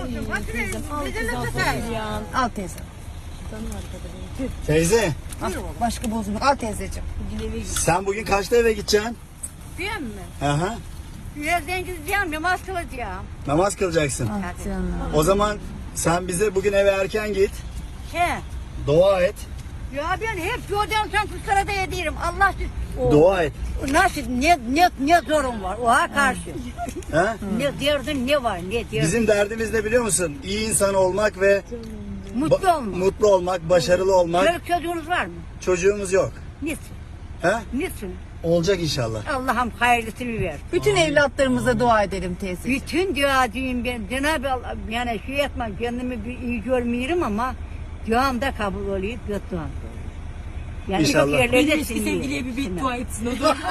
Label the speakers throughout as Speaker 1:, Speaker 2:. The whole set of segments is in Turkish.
Speaker 1: olsun. Faturayı bedelini satayım.
Speaker 2: Al teyze.
Speaker 3: Teyze,
Speaker 2: Al, başka bozulma. Al teyzeciğim.
Speaker 3: sen bugün kaçta eve gideceksin?
Speaker 1: Değil mi?
Speaker 3: Aha.
Speaker 1: Birazdan gideceğim, namaz kılacağım.
Speaker 3: Namaz kılacaksın.
Speaker 2: Ah canım.
Speaker 3: O zaman sen bize bugün eve erken git.
Speaker 1: He.
Speaker 3: Dua et.
Speaker 1: Ya ben hep yoldan sen kuşlara da yedirim. Allah
Speaker 3: Dua et.
Speaker 1: nasıl ne zorun var oha karşı.
Speaker 3: Ha?
Speaker 1: Ne derdin ne var ne derdin.
Speaker 3: Bizim derdimiz ne biliyor musun? İyi insan olmak ve
Speaker 1: Mutlu olma.
Speaker 3: mutlu olmak, başarılı olmak.
Speaker 1: Çocuk çocuğunuz var mı?
Speaker 3: Çocuğumuz yok.
Speaker 1: Niçin?
Speaker 3: Ha?
Speaker 1: Niçin?
Speaker 3: Olacak inşallah.
Speaker 1: Allah'ım hayırlısını ver.
Speaker 2: Bütün evlatlarımıza dua edelim teyze.
Speaker 1: Bütün duacıyım ben. Cenab-ı Allah yani şey etmem kendimi bir iyi görmüyorum ama duam da kabul oluyor, göt duam da oluyor. Yani
Speaker 3: İnşallah.
Speaker 1: çok yerlerde
Speaker 4: Benim eski sevgiliye bir beddua etsin o da.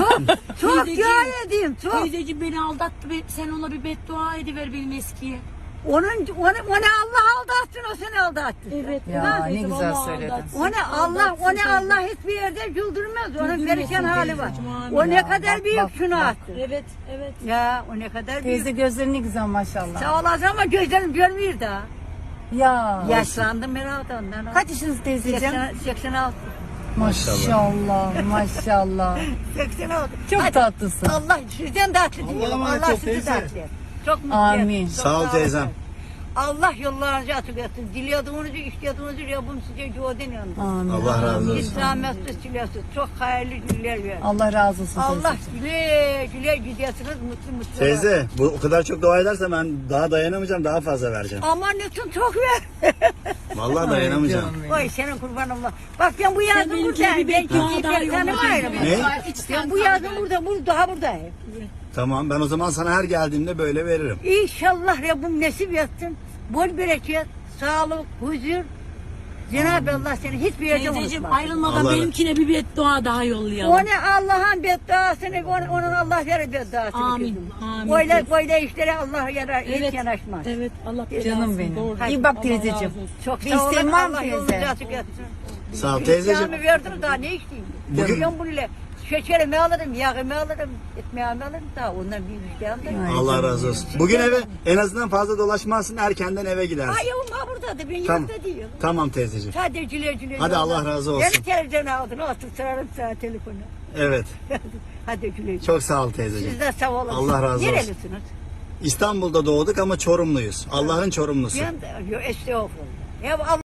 Speaker 1: Çok
Speaker 4: Teyzeciğim,
Speaker 1: dua edeyim, çok.
Speaker 4: Teyzeciğim beni aldattı. Sen ona bir beddua ediver benim eskiye.
Speaker 1: Onu Allah aldatsın, o seni aldattı.
Speaker 4: Evet.
Speaker 2: Ya
Speaker 4: evet,
Speaker 2: ne güzel
Speaker 4: vallahi
Speaker 2: söyledin.
Speaker 4: aldatsın.
Speaker 1: Onu Allah hiçbir yerde güldürmez. Onun
Speaker 4: Güldürmesin
Speaker 1: perişan hali var.
Speaker 4: teyzeciğim, amin.
Speaker 1: O ne
Speaker 2: Ya,
Speaker 1: kadar
Speaker 2: bak,
Speaker 1: büyük
Speaker 2: bak,
Speaker 1: şunu
Speaker 2: bak.
Speaker 1: attı.
Speaker 4: Evet, evet.
Speaker 1: Ya o ne kadar
Speaker 2: Teyze
Speaker 1: büyük.
Speaker 2: gözleri ne güzel maşallah.
Speaker 1: Sağ olasın ama gözlerim görmüyor da.
Speaker 2: Ya.
Speaker 1: Yaşlandım herhalde ondan.
Speaker 2: Kaç yaşınız teyzeciğim?
Speaker 1: 86.
Speaker 2: Maşallah maşallah.
Speaker 1: 86.
Speaker 2: Çok
Speaker 1: Hadi.
Speaker 2: tatlısın.
Speaker 1: Allah sizden tatlı
Speaker 3: Allah'a
Speaker 1: diyorum.
Speaker 3: emanet
Speaker 1: Allah
Speaker 3: ol
Speaker 1: sizi
Speaker 3: teyze.
Speaker 1: tatlı etsin. Çok mutlu
Speaker 2: Amin.
Speaker 1: etsin. Çok
Speaker 3: Sağ ol teyzem.
Speaker 1: Allah yollarınızı açık etsin. Dilediğinizi, istediğinizi Rabbim size güven yanında.
Speaker 2: Amin.
Speaker 3: Allah razı
Speaker 1: Hiç
Speaker 3: olsun.
Speaker 1: zahmetsiz, çilesiz. Çok hayırlı günler ver.
Speaker 2: Allah razı olsun
Speaker 1: Allah
Speaker 2: teyzeciğim.
Speaker 1: güle güle gidiyorsunuz mutlu mutlu.
Speaker 3: Teyze, bu o kadar çok dua edersen ben daha dayanamayacağım, daha fazla vereceğim.
Speaker 1: Aman lütfen çok ver.
Speaker 3: Vallahi dayanamayacağım.
Speaker 1: Oy senin kurban Allah. Bak ben bu yazın
Speaker 4: benimkine
Speaker 1: buradayım.
Speaker 4: bir
Speaker 1: Ben
Speaker 4: beddua
Speaker 1: kimseyi
Speaker 4: daha
Speaker 1: pek
Speaker 4: yolla.
Speaker 1: tanımıyorum.
Speaker 3: Ne?
Speaker 1: Ben bu yazın daha buradayım.
Speaker 3: Tamam, ben o zaman sana her geldiğimde böyle veririm.
Speaker 1: İnşallah Rabbim nasip etsin. Bol bereket, sağlık, huzur. Cenab-ı Allah seni hiçbir yerde
Speaker 4: Teyzeciğim
Speaker 1: unutmaz.
Speaker 4: ayrılmadan
Speaker 3: Allah-
Speaker 4: benimkine bir beddua daha yollayalım.
Speaker 1: O ne Allah'ın bedduasını, onun Allah verir bedduasını.
Speaker 4: Amin,
Speaker 1: kızım.
Speaker 4: amin.
Speaker 1: Böyle işlere Allah yarar, hiç yanaşmaz.
Speaker 4: Evet, Allah
Speaker 2: Canım benim.
Speaker 4: Doğru.
Speaker 2: İyi bak
Speaker 4: Allah
Speaker 2: teyzeciğim.
Speaker 4: razı olsun.
Speaker 1: Çok
Speaker 2: Bir
Speaker 1: sağ olun,
Speaker 2: isteğin var mı
Speaker 1: Allah
Speaker 2: teyze?
Speaker 1: yolunuzu açık etsin.
Speaker 3: Sağ ol teyzeciğim.
Speaker 1: İslam'ı verdim daha ne isteyeyim?
Speaker 3: Bugün-
Speaker 1: Ben bununla şekerimi alırım, yağımı alırım, ekmeğimi alırım daha ondan bir isteğim de.
Speaker 3: Allah razı olsun. Bugün eve en azından fazla dolaşmazsın, erkenden eve gidersin.
Speaker 1: Ay yavrum ha buradadır, ben
Speaker 3: Tamam.
Speaker 1: yurtta değilim.
Speaker 3: Tamam teyzeciğim.
Speaker 1: Hadi güle güle.
Speaker 3: Hadi Allah razı olsun.
Speaker 1: Beni televizyona aldın, otur sorarım sana telefonu.
Speaker 3: Evet.
Speaker 1: Hadi güle güle.
Speaker 3: Çok sağ ol teyzeciğim.
Speaker 1: Siz de sağ olun.
Speaker 3: Allah razı olsun.
Speaker 1: Nerelisiniz?
Speaker 3: İstanbul'da doğduk ama Çorumluyuz. Allah'ın Çorumlusu.
Speaker 1: Ben de, estağfurullah. Ya Allah